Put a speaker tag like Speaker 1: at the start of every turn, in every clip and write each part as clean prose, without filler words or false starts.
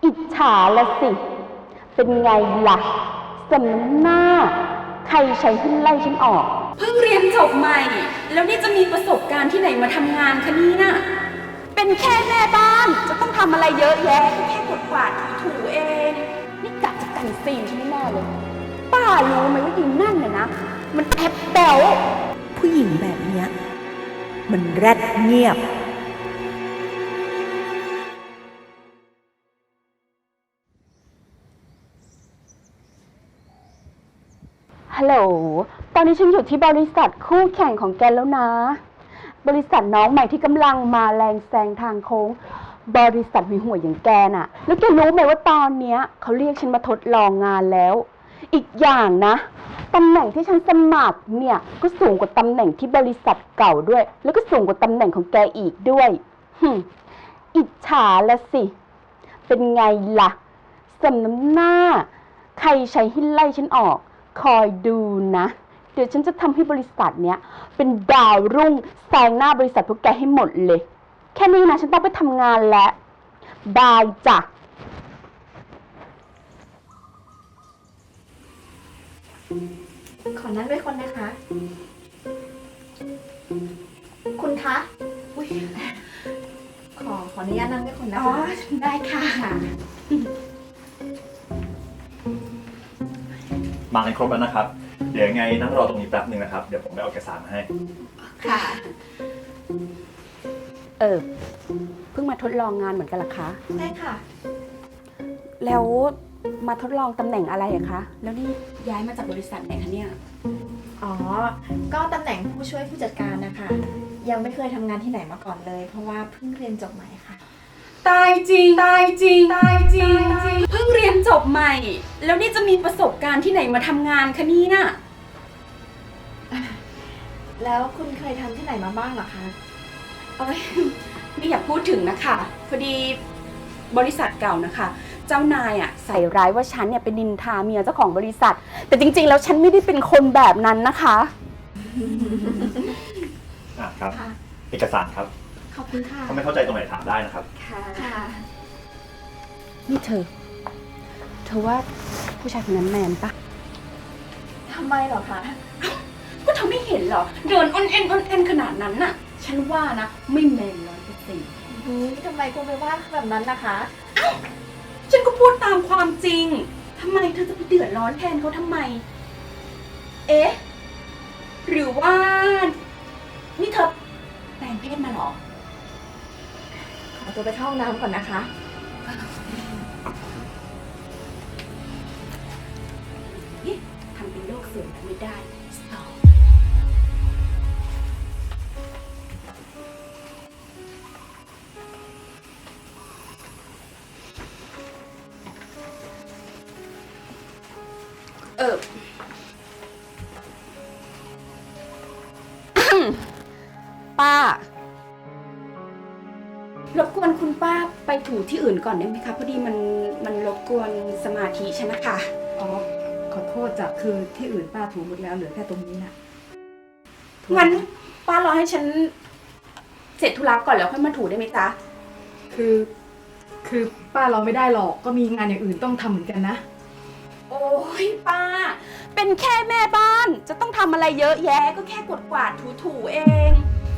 Speaker 1: อิจฉาละสิ เป็นไงล่ะสมน้ำหน้า ใครใช้ให้ไล่ฉันออก
Speaker 2: เพิ่งเรียนจบใหม่ แล้วนี่จะมีประสบการณ์ที่ไหนมาทำงานคะนี่น่ะเป็นแค่แม่บ้านจะต้องทำอะไรเยอะแยะแค่กดกวาดถูเอง นี่กะจะกันซีนฉันแน่เลย ป้ารู้ไหมว่ายิงนั่นน่ะนะ มันแอบแบว
Speaker 3: ผู้หญิงแบบเนี้ยมันแรดเงียบ
Speaker 1: ฮัลโหล ตอนนี้ฉันอยู่ที่บริษัทคู่แข่งของแกแล้วนะ บริษัทน้องใหม่ที่กำลังมาแรงแซงทางโค้ง บริษัทมีหัวอย่างแกน่ะ แล้วแกรู้ไหมว่าตอนเนี้ยเขาเรียกฉันมาทดลองงานแล้ว อีกอย่างนะตำแหน่งที่ฉันสมัครเนี่ยก็สูงกว่าตำแหน่งที่บริษัทเก่าด้วย แล้วก็สูงกว่าตำแหน่งของแกอีกด้วยอิจฉาละสิ เป็นไงล่ะสมน้ำหน้า ใครใช้ให้ไล่ฉันออก คอยดูนะ เดี๋ยวฉันจะทำให้บริษัทเนี้ยเป็นดาวรุ่งแซงหน้าบริษัทพวกแกให้หมดเลย แค่นี้นะฉันต้องไปทำงานแล้วบายจ้ะ
Speaker 4: ขอนั่งด้วยคนนะคะ คุณคะอุ๊ยขออนุญาตนั่งด้วยคนนะคะ
Speaker 2: ได้ค่ะ
Speaker 5: มากันครบแล้วนะครับ เดี๋ยวยังไงนั่งรอตรงนี้แป๊บหนึ่งนะครับ เดี๋ยวผมไปเอาเอกสารมาให้
Speaker 2: ค่ะ
Speaker 1: เพิ่งมาทดลองงานเหมือนกันเหรอคะ
Speaker 4: ได้ค่ะ
Speaker 1: แล้วมาทดลองตำแหน่งอะไรอะคะ
Speaker 2: แล้วนี่ย้ายมาจากบริษัทไหนคะเนี่ย
Speaker 4: อ๋อ ก็ตำแหน่งผู้ช่วยผู้จัดการนะคะ ยังไม่เคยทำงานที่ไหนมาก่อนเลย เพราะว่าเพิ่งเรียนจบใหม่ค่ะ
Speaker 2: ตายจริง ตายจริง ตายจริง เพิ่งเรียนจบใหม่ แล้วนี่จะมีประสบการณ์ที่ไหนมาทำงานคะนี่น่ะ
Speaker 4: แล้วคุณเคยทำที่ไหนมาบ้างเหรอคะ
Speaker 2: เอ้ยไม่อยากพูดถึงนะคะพอดีบริษัทเก่านะคะ เจ้านายอ่ะใส่
Speaker 1: ใส่ร้ายว่าฉันเนี่ยเป็นนินทาเมียเจ้าของบริษัท แต่จริงๆ แล้วฉันไม่ได้เป็นคนแบบนั้นนะคะ
Speaker 5: ครับ
Speaker 4: ค่ะ
Speaker 5: เอกสารครับ
Speaker 4: ขอบคุณค่ะ
Speaker 5: ถ้าไม่เข้าใจตรงไหนถามได้นะครับ
Speaker 4: ค่ะ
Speaker 1: นี่เธอว่าผู้ชายคนนั้นแมนปะ
Speaker 4: ทำไมเหรอคะ
Speaker 2: ก็เธอไม่เห็นเหรอ เดินอ้อนเอ็นขนาดนั้นน่ะ ฉันว่านะไม่แมน100%
Speaker 4: ทำไมคุณไปว่าแบบนั้นนะคะ
Speaker 2: ฉันก็พูดตามความจริง ทำไมเธอจะไปเดือดร้อนแทนเขาทำไม เอ๊ะ หรือว่า นี่เธอแปลงเพศมาเหรอ
Speaker 4: ขอตัวไปเข้าห้องน้ำก่อนนะคะ
Speaker 2: นี่ทำเป็นโลกสวยไม่ได้สตอ ป้ารบกวนคุณป้าไปถูที่อื่นก่อนได้ไหมคะ พอดีมันรบกวนสมาธิฉันนะคะ
Speaker 6: อ๋อ ขอโทษจ้ะคือที่อื่นป้าถูหมดแล้วเหลือแค่ตรงนี้นะ
Speaker 2: งั้นป้ารอให้ฉันเสร็จธุระก่อนแล้วค่อยมาถูได้ไหมจ๊ะ
Speaker 6: คือป้าเราไม่ได้หรอกก็มีงานอย่างอื่นต้องทำเหมือนกันนะ
Speaker 2: โอ้ยป้า เป็นแค่แม่บ้านจะต้องทำอะไรเยอะแยะ ก็แค่กดกวาดถูเอง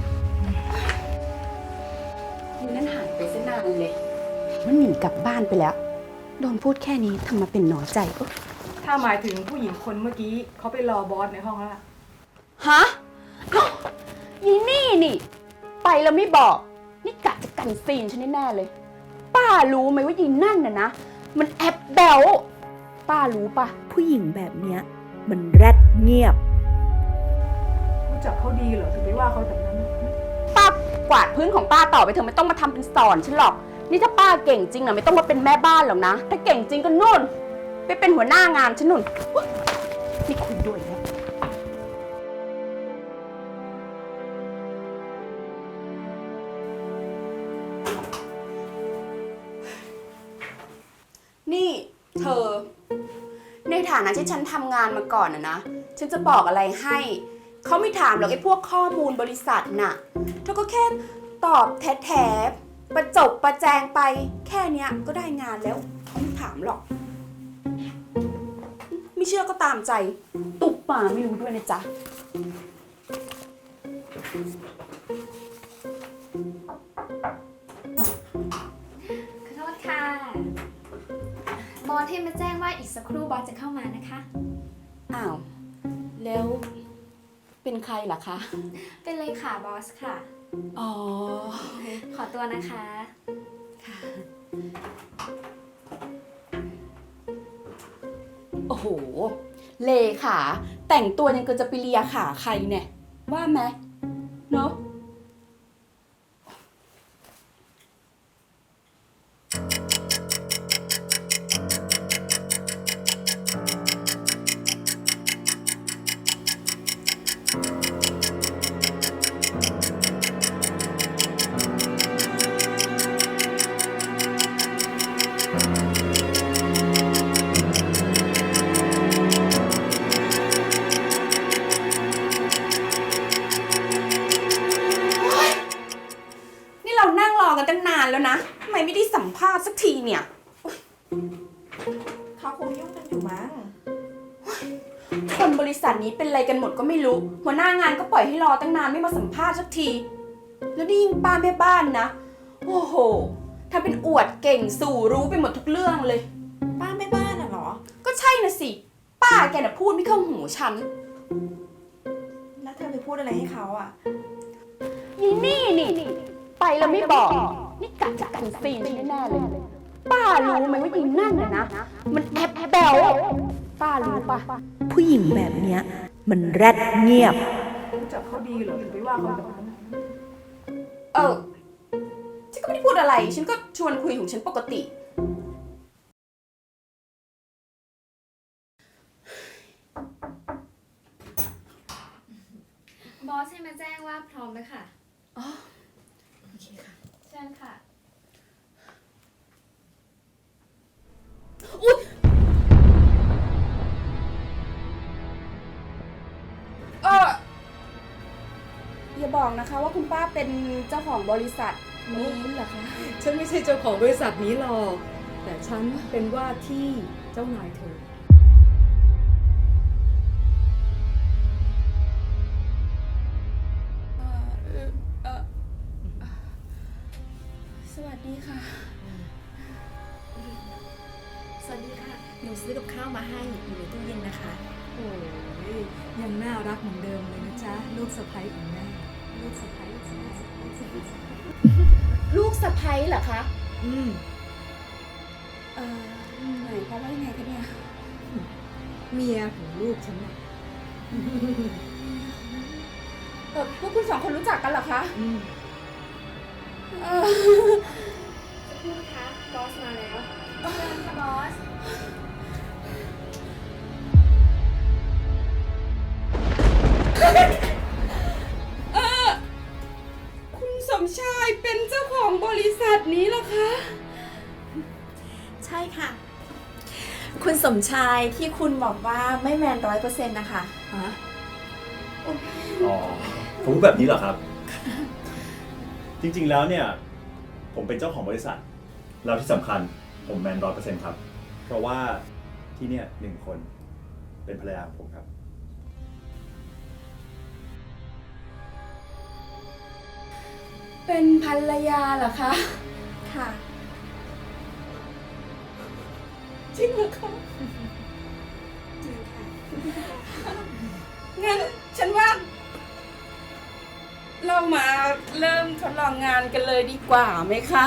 Speaker 2: นี่นั่นหายไปซะนานเลย
Speaker 1: มันหนีกลับบ้านไปแล้ว โดนพูดแค่นี้ทำมาเป็นหนอใจ
Speaker 6: ถ้าหมายถึงผู้หญิงคนเมื่อกี้เขาไปรอบอสในห้องแล้วล่ะ
Speaker 1: ฮะเอ้ายีนี่นี่ ไปแล้วไม่บอก นี่กะจะกันซีนฉันแน่ๆเลย ป้ารู้ไหมว่ายีนั่นน่ะนะ มันแอบแบวป้ารู้ปะ
Speaker 3: ผู้หญิงแบบเนี้ยมันแรดเงียบ
Speaker 6: รู้จักเขาดีเหรอถึงไปว่าเขาแบบนั้น
Speaker 1: ป้ากวาดพื้นของป้าต่อไปเถอะไม่ต้องมาทำเป็นสอนฉันหรอก นี่ถ้าป้าเก่งจริงนะไม่ต้องมาเป็นแม่บ้านหรอกนะ ถ้าเก่งจริงก็นู่น ไปเป็นหัวหน้างานฉันนู่นอุ๊ยนี่คุยด้วยแล้ว
Speaker 2: นี่เธอ ในฐานะที่ฉันทำงานมาก่อนนะ ฉันจะบอกอะไรให้ เขาไม่ถามหรอกไอ้พวกข้อมูลบริษัทน่ะ เธอก็แค่ตอบแท้ๆประจบประแจงไปแค่เนี้ยก็ได้งานแล้วไม่ถามหรอก ไม่เชื่อก็ตามใจ ตุกป่าไม่รู้ด้วยนะจ๊ะ
Speaker 7: ขอโทษค่ะ บอสให้มาแจ้งว่าอีกสักครู่บอสจะเข้ามานะคะ
Speaker 2: อ้าว แล้วเป็นใครล่ะคะ
Speaker 7: เป็นเลยค่ะบอสค่ะ
Speaker 2: อ๋อ
Speaker 7: ขอตัวนะคะ
Speaker 2: โอ้โห เลขาแต่งตัวยังเกินจะไปเลียขาใครเนี่ย ว่าไหมเนาะ นี่เรานั่งรอกันตั้งนานแล้วนะ ทำไมไม่ได้สัมภาษณ์สักทีเนี่ย
Speaker 4: เขาคงยุ่งกันอยู่มั้ง
Speaker 2: คนบริษัทนี้เป็นอะไรกันหมดก็ไม่รู้ หัวหน้างานก็ปล่อยให้รอตั้งนานไม่มาสัมภาษณ์สักที แล้วนี่ยิ่งป้าแม่บ้านนะ โอ้โหทำเป็นอวดเก่งสู่รู้ไปหมดทุกเรื่องเลย
Speaker 4: ป้าแม่บ้านน่ะเหรอ
Speaker 2: ก็ใช่นะสิ ป้าแกน่ะพูดไม่เข้าหูฉัน
Speaker 4: แล้วเธอไปพูดอะไรให้เขาอ่ะ
Speaker 1: นี่ไปแล้วไม่บอก นี่กะจะกันซีนแน่ๆเลย ป้ารู้ไหมว่ายิงนั่นน่ะนะ มันแอบแบวป้ารู้ปะ
Speaker 3: ผู้หญิงแบบเนี้ย มันแรดเงียบ
Speaker 6: รู้จักเขาดีเหรอถึงไปว่าเขาแบบนั้น
Speaker 2: ฉันก็ไม่ได้พูดอะไร ฉันก็ชวนคุยของฉันปกติ
Speaker 7: บอสให้มาแจ้งว่าพร้อมแล้วค่ะ
Speaker 2: อ๋อ โอเคค่ะ
Speaker 7: เชิญค่ะ
Speaker 2: อุ๊ยอย่าบอกนะคะว่าคุณป้าเป็นเจ้าของบริษัทนี้เหรอคะ
Speaker 6: ฉันไม่ใช่เจ้าของบริษัทนี้หรอก แต่ฉันเป็นว่าที่เจ้านายเธอ
Speaker 2: สวัสดีค่ะ
Speaker 4: สวัสดีค่ะ หนูซื้อกับข้าวมาให้อยู่ในตู้เย็นนะคะ
Speaker 6: โอ้ยยังน่ารักเหมือนเดิมเลยนะจ๊ะ ลูกสะใภ้ของแม่ ลูกสะใภ้ลูกสะใภ้ลูกสะใภ้
Speaker 2: ลูกสะใภ้เหรอคะ
Speaker 6: อืม
Speaker 2: หมายความว่ายังไงคะเนี่ย
Speaker 6: เมียของลูกฉันน่ะ
Speaker 2: พวกคุณสองคนรู้จักกันเหรอคะ
Speaker 6: อืม
Speaker 7: สักครู่นะคะ บอสมาแล้ว เชิญค่ะบอส
Speaker 2: คุณสมชายเป็นเจ้าของบริษัทนี้เหรอคะ
Speaker 4: ใช่ค่ะ คุณสมชายที่คุณบอกว่าไม่แมน100%นะคะ
Speaker 6: ฮะ
Speaker 5: อ๋อผมพูดแบบนี้เหรอครับ จริงๆแล้วเนี่ย ผมเป็นเจ้าของบริษัท แล้วที่สำคัญผมแมน100%ครับ เพราะว่าที่เนี่ย1 คนเป็นภรรยาของผมครับ
Speaker 2: เป็นภรรยาเหรอคะ
Speaker 4: ค่ะ
Speaker 2: จริงเหรอคะ
Speaker 4: จริงค่ะ
Speaker 2: งั้นฉันว่า เรามาเริ่มทดลองงานกันเลยดีกว่าไหมคะ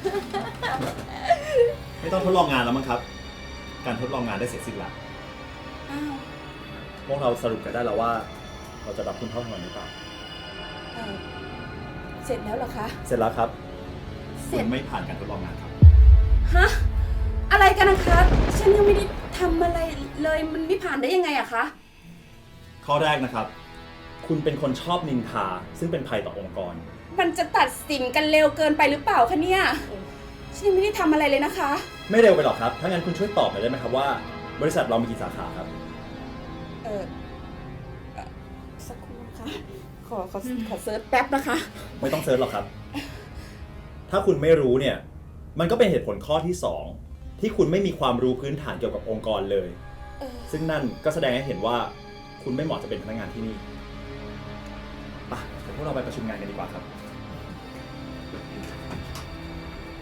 Speaker 5: ไม่ต้องทดลองงานแล้วมั้งครับ การทดลองงานได้เสร็จสิ้นแล้ว
Speaker 2: อ้าว
Speaker 5: พวกเราสรุปกันได้แล้วว่า เราจะรับคุณเข้าทำงานหรือเปล่า
Speaker 2: เสร็จแล้วเหรอคะ
Speaker 5: เสร็จแล้วครับ
Speaker 2: เสร็
Speaker 5: คุ
Speaker 2: จ
Speaker 5: ณไม่ผ่านการทดลองงานครับ
Speaker 2: ฮะ อะไรกันนะคะ ฉันยังไม่ได้ทำอะไรเลย มันไม่ผ่านได้ยังไงอะคะ
Speaker 5: ข้อแรกนะครับ คุณเป็นคนชอบนินทา ซึ่งเป็นภัยต่อองค์กร
Speaker 2: มันจะตัดสินกันเร็วเกินไปหรือเปล่าคะเนี่ย ฉันยังไม่ได้ทำอะไรเลยนะคะ
Speaker 5: ไม่เร็วไปหรอกครับ ถ้างั้นคุณช่วยตอบหน่อยได้ไหมครับว่า บริษัทเรามีกี่สาขาครับ
Speaker 2: สักครู่นะคะ ขอเซิร์ชแป๊บนะคะ
Speaker 5: ไม่ต้องเซิร์ชหรอกครับถ้าคุณไม่รู้เนี่ย มันก็เป็นเหตุผลข้อที่ 2 ที่คุณไม่มีความรู้พื้นฐานเกี่ยวกับองค์กรเลย ซึ่งนั่นก็แสดงให้เห็นว่าคุณไม่เหมาะจะเป็นพนักงานที่นี่ไปเดี๋ยวพวกเราไปประชุมงานกันดีกว่าครับ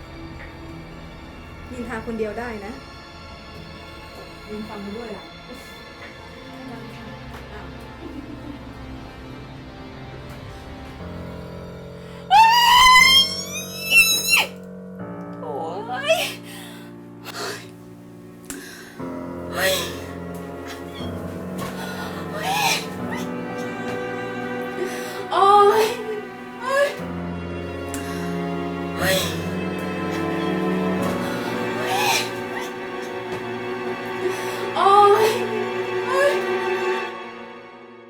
Speaker 6: ยินทาคนเดียวได้นะยินฟังไปด้วยล่ะ